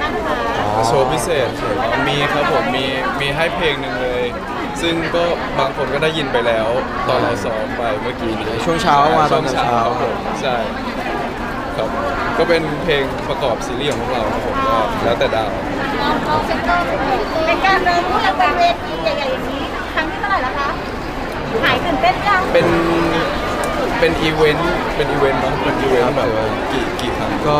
บ้างคะโชว์พิเศษมีครับผมมีให้เพลงหนึ่งเลย ซึ่งก็บางคนก็ได้ยินไปแล้วตอนเราซ้อมไปเมื่อกี้นี้ช่วงเช้ามาตช่อวน งเช้าเช้าครับผมใช่ครับก็เป็นเพลงประกอบซีรีส์ของพวกเราครับผมก็แล้วแต่ดาวเราเซ็นเตอร์เป็นการเริ่มที่เราเป็นเวทีใหญ่ๆอย่างนี้ครั้งที่เท่าไหร่แล้วคะหายตื่นเต้นยังเป็นอีเวนต์เนาะเป็นอีเวนต์แบบกี่ครั้งก็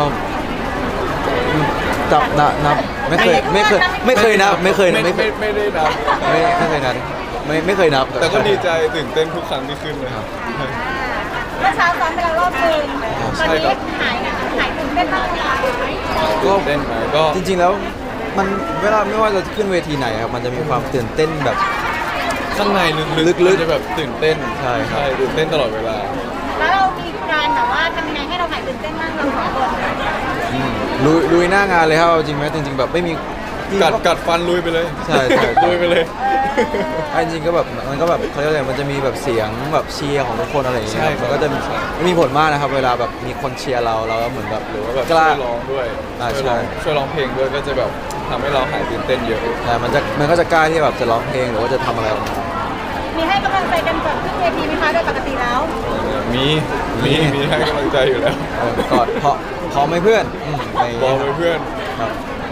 จับนับไม่เคยนับไม่เคยนับไม่ได้นับไม่เคยนับไม่เคยนับแต่ก็ดีใจตื่นเต้นทุกครั้งที่ขึ้นเลยครับเมื่อเช้าซ้อมไปแล้วรอบนึงตอนใช่ครันี้บหายตื่นเต้นบ้างไหมคะตื่นเต้นไหมก็จริงๆแล้วมันเวลาไม่ว่าเราจะขึ้นเวทีไหนครับมันจะมีความตื่นเต้นแบบข้างในลึกๆจะแบบตื่นเต้นใช่ครับตื่นเต้นตลอดเวลาแล้วเรามีการแบบว่าทำยังไงให้เราหายตื่นเต้นบ้างเราสองคนลุยหน้างานเลยครับจริงไหมจริงๆแบบไม่มีกัดฟันลุยไปเลยใช่ใช่ลุยไปเลยจริงๆก็แบบมันก็แบบเขาเรียกอะไรมันจะมีแบบเสียงแบบเชียร์ของทุกคนอะไรอย่างเงี้ยใช่มันก็จะมีผลมากนะครับเวลาแบบมีคนเชียร์เราก็เหมือนแบบหรือว่าแบบกช่ล้าวยร้องด้วยใช่ช่วยร้องเพลงด้วยก็จะแบบทำให้เราหายตื่นเต้นเยอะแต่มันก็จะกล้าที่แบบจะร้องเพลงหรือว่าจะทำอะไรออกมามีให้กำลังใจกันก่อนขึ้นเวทีไหมคะโดยปกติแล้วมีให้กำลังใจอยู่แล้วกอดพร้อมไหมเพื่อนอะไรอย่างบอเงี้กยไปเพื่อนครับ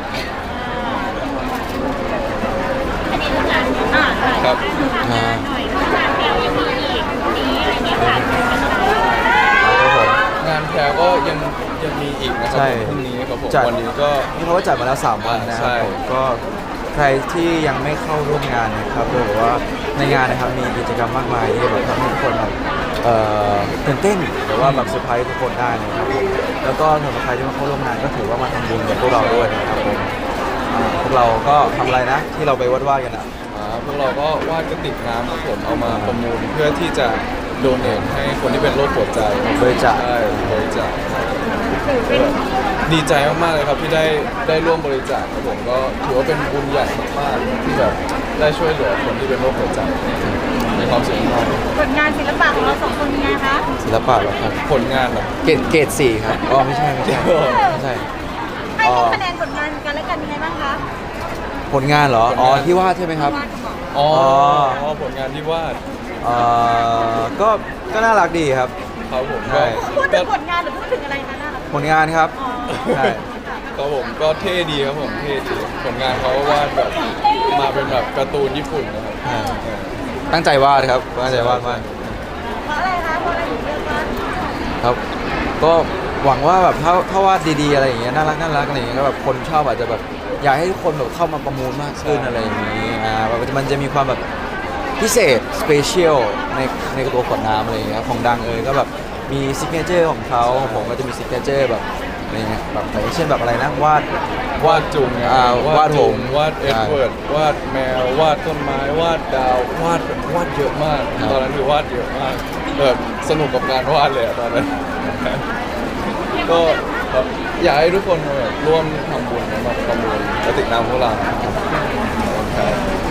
อันนี้เรื่องงานใช่ครับอ่าหน่อยเรื่องงานแล้วยังมีอีกนี้อะไรเงี้ยค่ะครับผมงานแพรก็ยังมีอีกนะครัใช่พรุ่งนี้ครับผมจัดวันนี้ก็นี่เขาก็จัดมาแล้ว3 วันนะคใช่รับผมก็ใครที่ยังไม่เข้าร่วมงานนะครับหรือว่าในงานนะครับมีกิจกรรมมากมายที่แบบทำให้ทุกคนแบบตื่นเต้นหรือว่าแบบเซอร์ไพรส์ทุกคนได้นะครับผมแล้วก็สำหรับใครที่มาเข้าร่วมงานก็ถือว่ามาทำบุญกับพวกเราด้วยนะครับผมพวกเราก็ทำอะไรนะที่เราไปวาดกันอ่ะพวกเราก็วาดกระติกน้ำครับผมเอามาประมูลเพื่อที่จะโดเนทให้คนที่เป็นโรคหัวใจบริจาคใช่บริจาคดีใจมากๆเลยครับที่ได้ร่วมบริจาคครับผมก็ถือว่าเป็นบุญใหญ่มากๆที่แบบได้ช่วยเหลือคนที่เป็นโรคหัวใจมีความสุขมากผลงานศิลปะของเราสองคนเป็นไงคะศิลปะเหรอครับผลงานเหรอเกรด4ครับอ๋อไม่ใช่ไม่ใช่ให้คะแนนผลงานกันและกันยังไงบ้างคะผลงานเหรออ๋อที่วาดใช่ไหมครับอ๋ออ๋อผลงานที่วาดก็น่ารักดีครับครับผมใช่พูดถึงผลงานหรือพูดถึงอะไรคะน่ารักผลงานครับอ๋อใช่ครับผมก็เท่ดีครับผมเท่ดีผลงานเขาวาดแบบมาเป็นแบบการ์ตูนญี่ปุ่นนะครับตั้งใจวาดครับตั้งใจวาดมากเพราะอะไรคะเพราะอะไรถึงเลือกว่าครับ ก็หวังว่าแบบถ้าวาดดีๆอะไรอย่างเงี้ยน่ารักอะไรอย่างเงี้ยก็แบบคนชอบอาจจะแบบอยากให้ทุกคนแบบเข้ามาประมูลมากขึ้นอะไรอย่างงี้แบบมันจะมีความแบบพิเศษสเปเชียลในตัวขวดน้ำอะไรอย่างเงี้ยของดังก็แบบมีซิกเนเจอร์ของเขาของผมก็จะมีซิกเนเจอร์แบบอะไรเงี้ยแบบอย่างเช่นแบบอะไรนะวาดจุงไงวาดผมวาดเอ็ดเวิร์ดวาดแมววาดต้นไม้วาดดาววาดเยอะมากครับตอนนั้นคือวาดเยอะมากแบบสนุกกับการวาดเลยอะตอนนั้น ก็แบบอยากให้ทุกคนมาแบบร่วมทำบุญมาประมูลกระติกน้ำพวกเราครับค่ะ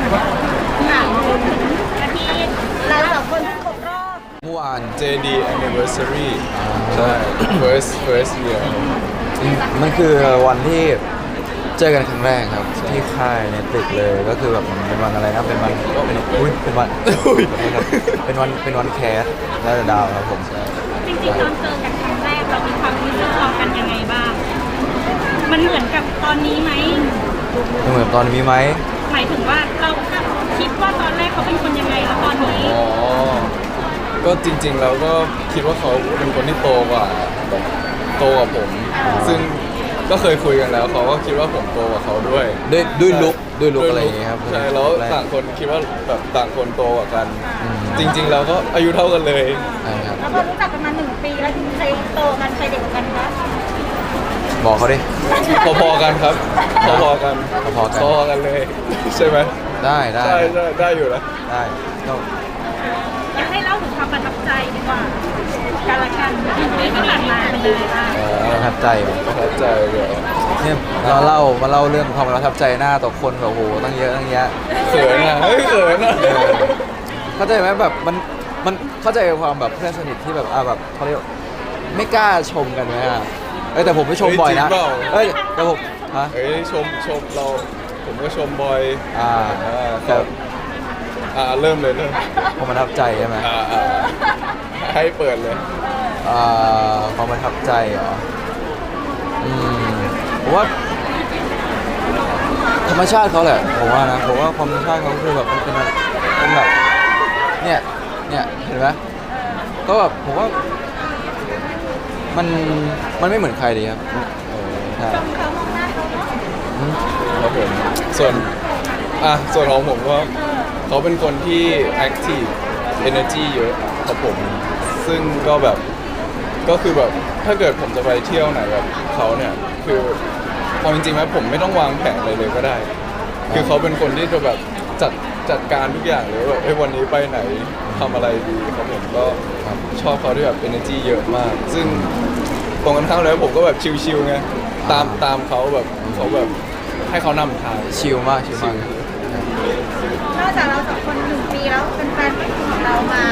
อาทิตย์เราสองคนเพิ่งครบรอบเมื่อวาน JD anniversary ใช่ first year มันคือวันที่เจอกันครั้งแรกครับที่ค่ายในตึกเลยก็คือแบบเป็นวันอะไรนะเป็นวันเป็นวันเป็นวันแคสและดาวครับผมจริงๆตอนเจอกันครั้งแรกเรามีความรู้สึกต่อกันยังไงบ้าง มันเหมือนกับตอนนี้ไหมเหมือนตอนนี้ไหมหมายถึงว่าเราคิดว่าตอนแรกเขาเป็นคนยังไงแล้วตอนนี้อ๋อ ก็จริงๆแล้วก็คิดว่าเขาเป็นคนที่โตกว่าแบบโตกว่าผม ซึ่งก็เคยคุยกันแล้วเขาก็คิดว่าผมโตกว่าเขาด้วยด้วยลุกอะไรอย่างเงี้ยครับใช่แล้วต่างคนคิดว่าแบบต่างคนโตกว่ากันอืมจริงๆแล้วก็อายุเท่ากันเลยใช่ครับแล้วพอรู้จักกันมา1 ปีแล้วจริงๆใครโตกันใครเด็กกว่ากันคะบอกเขาดิพอๆกันครับพอๆกันพอๆกันพอๆกันเลย ใช่ไหมได้ใช่ได้อยู่นะได้ก็อยากให้เล่าถึงความประทับใจดีกว่าการละกันที่ผ่านมาเป็นยังไงบ้างประทับใจเหรอประทับใจเลยเนี่ยมาเล่าเรื่องความประทับใจหน้าต่อคนแบบโอ้โหตั้งเยอะตั้งแยะเขินอ่ะเฮ้ยเขินอ่ะเข้าใจไหมแบบมันเข้าใจความแบบเพื่อนสนิทที่แบบแบบเขาเรียกไม่กล้าชมกันไหมแต่ผมไม่ชมบ่อยนะแต่ผมฮะเอ้ยชมเราผมก็ชมบอยอ่าคแต่รับเริ่มเลยความประทับใจใช่ไหมให้เปิดเลยความประทับใจเหรอผมว่าธรรมชาติเขาแหละผมว่านะผมว่าความธรรมชาติเขาคือแบบมันเป็นแบบเนี่ยเห็นไหมก็แบบผมว่ามันไม่เหมือนใครเลยครับใช่ชมเขามองหน้าเขาเนาะครับผมส่วนของผมก็เขาเป็นคนที่ active energy เยอะครับผมซึ่งก็แบบก็คือแบบถ้าเกิดผมจะไปเที่ยวไหนแบบเขาเนี่ยคือเอาจริงๆนะผมไม่ต้องวางแผนอะไรเลยก็ได้ คือเขาเป็นคนที่จะแบบจัดการทุกอย่างเลยว่าวันนี้ไปไหนทำอะไรดีครับผมก็ชอบเขาที่แบบ energy เยอะมาก ซึ่งตรงกันข้ามแล้วผมก็แบบชิลๆไงตามเขาแบบเขาแบบให้เขานำทางชิลมากชิลมากนอกจากเราสองคน1 ปีแล้วเป็นแฟนของเรามา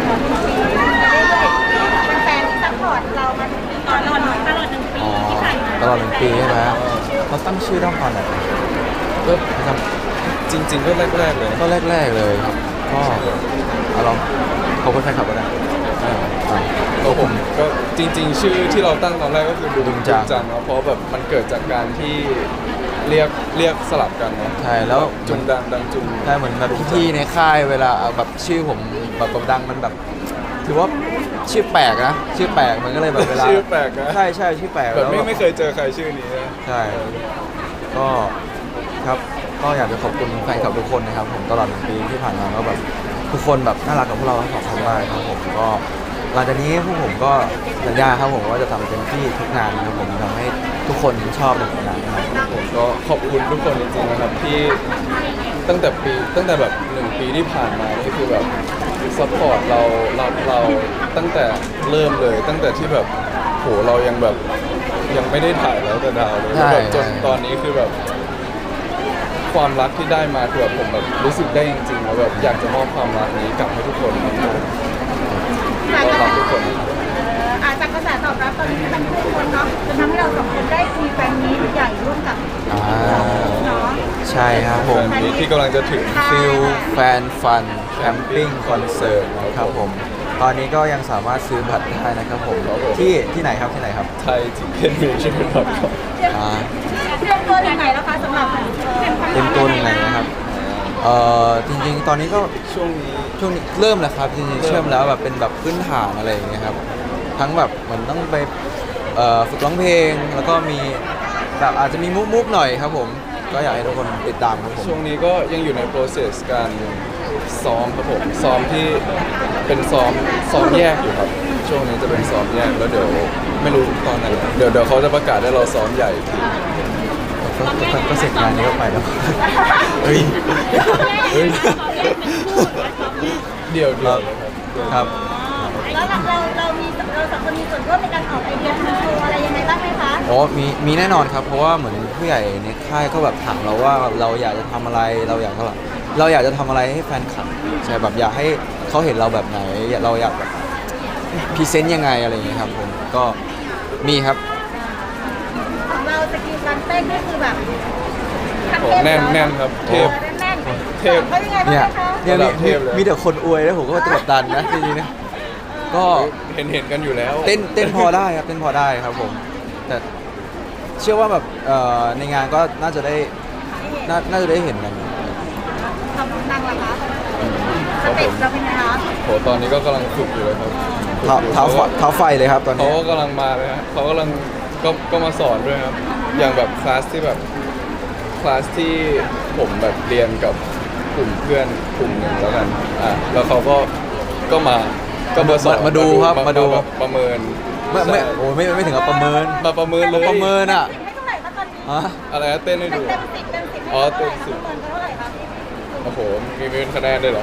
1 ปีเรื่อยๆเป็นแฟนที่ซัพพอร์ตเรามาถึงปีตก่อนลอดหน่อยตลอด1 ปีอ๋อที่ผ่านมาตลอด1 ปีใช่ไหมเขาตั้งชื่อต้องตอนไหนก็ครับจริง ๆ ก็แรกๆเลยก็แรกๆเลยครับก็เอาลองขอบคุณแฟนคลับก็ได้ก็ผมก็จริง ๆ ชื่อที่เราตั้งตอนแรกก็คือดุดุมจังจังเนาะเพราะแบบมันเกิดจากการที่เรียกสลับกันเนาะใช่แล้วจุงดังจุงใช่เหมือนแบบพี่ๆในค่ายเวลาเอาแบบชื่อผมแบบดังมันแบบ ถือว่าชื่อแปลกนะชื่อแปลกมันก็เลยแบบเวลาชื่อแปลกนะใช่ชื่อแปลกแบบแล้วไม่เคยเจอใครชื่อนี้นะใช่ก็ครับก็อยากจะขอบคุณแฟนคลับทุกคนนะครับผมตลอด1 ปีที่ผ่านมาก็แบบทุกคนแบบน่ารักกับพวกเราทั้งสองคนมากครับผมก็หลังจากนี้พวกผมก็สัญญาครับผมว่าจะทำเต็มที่ทุกงานนะครับผมทำให้ทุกคนชอบในผลงานนะครับผมก็ขอบคุณทุกคนจริงๆนะครับที่ตั้งแต่แบบ1 ปีที่ผ่านมานี่คือแบบซัพพอร์ตเรารับเราตั้งแต่เริ่มเลย ตั้งแต่ที่แบบโหเรายังแบบยังไม่ได้ถ่ายแล้วแต่ดาวเลยใช่แบบจนใช่ตอนนี้คือแบบความรักที่ได้มาคือแบบผมแบบรู้สึกได้จริงๆแล้วแบบอยากจะมอบความรักนี้กลับให้ทุกคนครับก็รักทุกคนอาจจะกระแสตอบรับตอนนี้ที่มันขึ้นคนเนาะจนทำให้เรา2 คนได้มีแฟนมีตใหญ่ร่วมกับอ่าเนาะใช่ครับผมแฟนมีตที่กำลังจะถึงฟิลแฟนฟันแคมปิ้งคอนเสิร์ตนะครับผมตอนนี้ก็ยังสามารถซื้อบัตรได้นะครับผมที่ไหนครับที่ไหนครับไทยที่เป็นมีชื่อเป็นแบบครับอ่าเตรียมตัวถึงไหนแล้วคะสำหรับเต็มตัวหนึ่งไหนนะครับจริงๆ ตอนนี้ก็ช่วงนี้เริ่มแล้วครับจริงๆเชื่อมแล้วแบบเป็นแบบพื้นฐานอะไรอย่างเงี้ยครับทั้งแบบเหมือนต้องไปฝึกร้องเพลงแล้วก็มีแบบอาจจะมีมุกหน่อยครับผมก็อยากให้ทุกคนติดตามครับผมช่วงนี้ก็ยังอยู่ใน process การซ้อมครับผมซ้อมที่เป็นซ้อมแยกอยู่ครับช่วงนี้จะเป็นซ้อมแยกแล้วเดี๋ยวไม่รู้ตอนไหนเดี๋ยวเขาจะประกาศให้เราซ้อมใหญ่อีกทีก็เสร็จงานนี้ก็ไปแล้วเฮ้ยเฮ้ยตอนแรกเป็นคู่หรือว่าซ้อมแยกเดี๋ยวเลยครับแล้วเรา2 คนมีส่วนร่วมในการออกไอเดียทำโชว์อะไรยังไงบ้างไหมคะอ๋อมีแน่นอนครับ เพราะว่าเหมือนผู้ใหญ่ในค่ายก็แบบถามเราว่าเราอยากจะทำอะไรเราอยากจะทำอะไรให้แฟนคลับใช่แบบอยากให้เขาเห็นเราแบบไหนเราอยากแบบพรีเซนต์ยังไงอะไรอย่างเงี้ยครับผมก็มีครับของเราสกิลการเต้นนี่คือแบบโอ้แน่นครับเทพแน่นเทพเขายังไงบ้างเนี่ยคะเนี่ยระดับเทพเลยมีแต่คนอวยแล้วผมก็กดดันนะจริงๆนะก็เห็นกันอยู่แล้วเต้นพอได้ครับเต้นพอได้ครับผมแต่เชื่อว่าแบบในงานก็น่าจะได้เห็นกันทำนางละคะสเต็ปเราเป็นไงคะโหตอนนี้ก็กำลังฝึกอยู่เลยครับเท้าไฟเลยครับตอนเขานี้ก็กำลังมาเลยฮะเขากำลังก็มาสอนด้วยครับ อย่างแบบคลาสที่ผมแบบเรียนกับกลุ่มเพื่อนกลุ่มหนึ่งแล้วกันแล้วเขาก็มาสอนมาดูครับมาดูแบบประเมินไม่ถึงกับประเมินมาประเมินเลยประเมินอ่ะไม่เท่าไหร่คะตอนนี้ฮะอะไรนะเต้นให้ดูเต็ม10 อ๋อเต็ม10 เท่าไหร่คะโอ้โหมีเป็นคะแนนด้วยเหรอ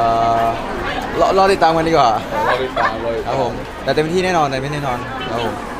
รอติดตามกันดีกว่าเราติดตามเลยครับผมแต่เต็มที่แน่นอนครับผม